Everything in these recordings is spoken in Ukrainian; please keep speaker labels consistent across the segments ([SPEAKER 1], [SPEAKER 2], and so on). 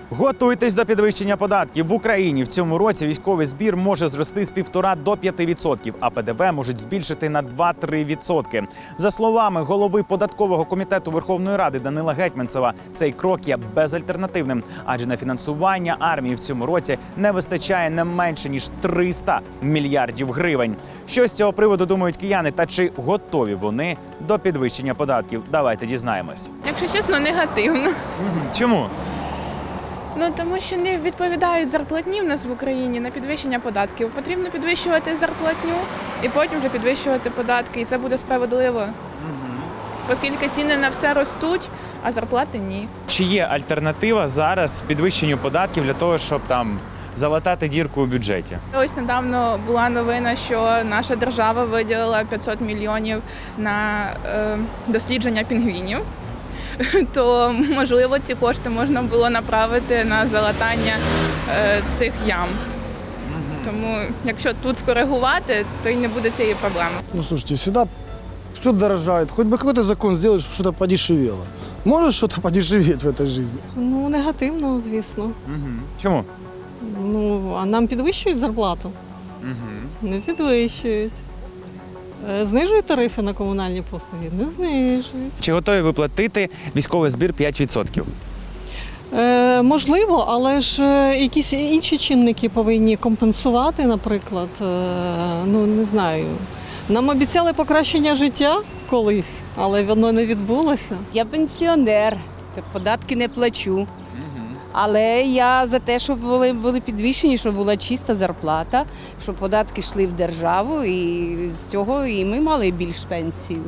[SPEAKER 1] Готуйтесь до підвищення податків. В Україні в цьому році військовий збір може зрости з 1,5 до 5%, а ПДВ можуть збільшити на 2-3%. За словами голови податкового комітету Верховної Ради Данила Гетманцева, цей крок є безальтернативним, адже на фінансування армії в цьому році не вистачає не менше ніж 300 мільярдів гривень. Що з цього приводу думають кияни та чи готові вони до підвищення податків? Давайте дізнаємось.
[SPEAKER 2] Якщо чесно, негативно.
[SPEAKER 1] Чому?
[SPEAKER 2] Тому що не відповідають зарплатні в нас в Україні на підвищення податків. Потрібно підвищувати зарплатню і потім вже підвищувати податки. І це буде справедливо. Оскільки ціни на все ростуть, а зарплати ні.
[SPEAKER 1] Чи є альтернатива зараз підвищенню податків для того, щоб там залатати дірку у бюджеті?
[SPEAKER 2] Ось недавно була новина, що наша держава виділила 500 мільйонів на дослідження пінгвінів. То, можливо, ці кошти можна було направити на залатання цих ям. Тому, якщо тут скоригувати, то й не буде цієї проблеми.
[SPEAKER 3] Слушайте, всегда все дорожает. Хоть бы какой-то закон сделать, чтобы что-то подешевело. Может что-то подешеветь в этой жизни?
[SPEAKER 4] Негативно, звісно.
[SPEAKER 1] Чому?
[SPEAKER 4] А нам підвищують зарплату? Не підвищують. Знижують тарифи на комунальні послуги? Не знижують.
[SPEAKER 1] Чи готові ви платити військовий збір 5%?
[SPEAKER 4] Можливо, але ж якісь інші чинники повинні компенсувати, наприклад. Не знаю. Нам обіцяли покращення життя колись, але воно не відбулося.
[SPEAKER 5] Я пенсіонер, податки не плачу. Але я за те, щоб були підвищені, щоб була чиста зарплата, щоб податки йшли в державу, і з цього і ми мали більш пенсію.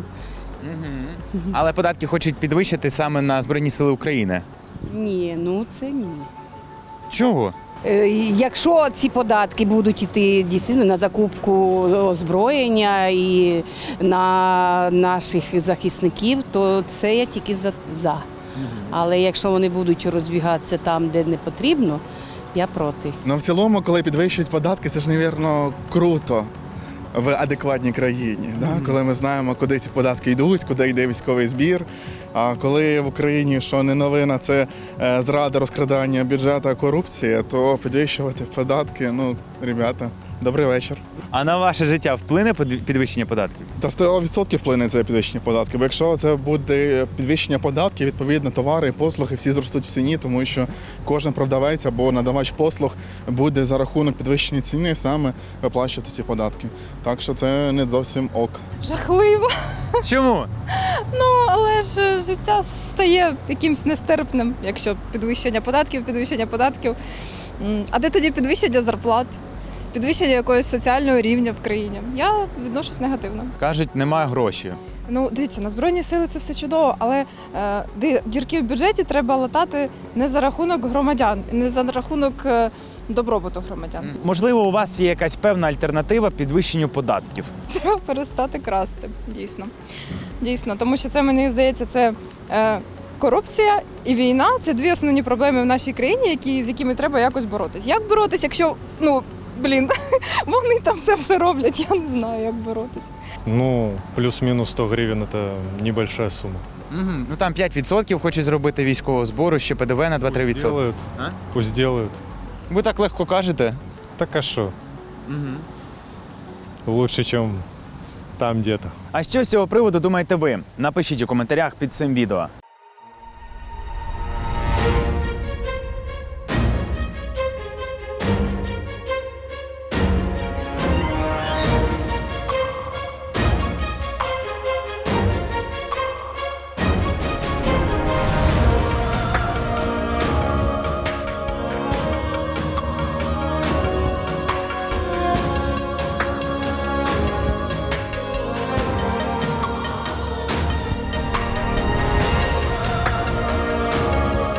[SPEAKER 1] Але податки хочуть підвищити саме на Збройні Сили України.
[SPEAKER 5] Ні, це ні.
[SPEAKER 1] Чого?
[SPEAKER 5] Якщо ці податки будуть йти дійсно на закупку озброєння і на наших захисників, то це я тільки за. Але якщо вони будуть розбігатися там, де не потрібно, я проти.
[SPEAKER 6] В цілому, коли підвищують податки, це ж, мабуть, круто в адекватній країні. Коли ми знаємо, куди ці податки йдуть, куди йде військовий збір. А коли в Україні, що не новина, це зрада, розкрадання бюджету, корупція, то підвищувати податки, ребята, добрий вечір.
[SPEAKER 1] А на ваше життя вплине підвищення податків?
[SPEAKER 6] Та 100% вплине це підвищення податків. Бо якщо це буде підвищення податків, відповідно, товари і послуги всі зростуть в ціні, тому що кожен продавець або надавач послуг буде за рахунок підвищення ціни саме виплачувати ці податки. Так що це не зовсім ок.
[SPEAKER 7] Жахливо.
[SPEAKER 1] Чому?
[SPEAKER 7] Але ж життя стає якимось нестерпним, якщо підвищення податків. А де тоді підвищення зарплат? Підвищення якогось соціального рівня в країні. Я відношусь негативно.
[SPEAKER 1] Кажуть, немає грошей.
[SPEAKER 7] Дивіться, на Збройні сили це все чудово, але дірки в бюджеті треба латати не за рахунок громадян, не за рахунок добробуту громадян.
[SPEAKER 1] Можливо, у вас є якась певна альтернатива підвищенню податків?
[SPEAKER 7] Треба перестати красти, дійсно. Тому що це, мені здається, це корупція і війна – це дві основні проблеми в нашій країні, з якими треба якось боротись. Як боротись, якщо, вони там це все роблять, я не знаю, як боротись.
[SPEAKER 8] Плюс-минус 100 гривень – це небольшая сума.
[SPEAKER 1] Там 5% хочуть зробити військового збору, ще ПДВ на 2-3%.
[SPEAKER 8] Пусть делают.
[SPEAKER 1] Ви так легко кажете?
[SPEAKER 8] Так а що? Лучше, ніж там где-то.
[SPEAKER 1] А що з цього приводу думаєте ви? Напишіть у коментарях під цим відео.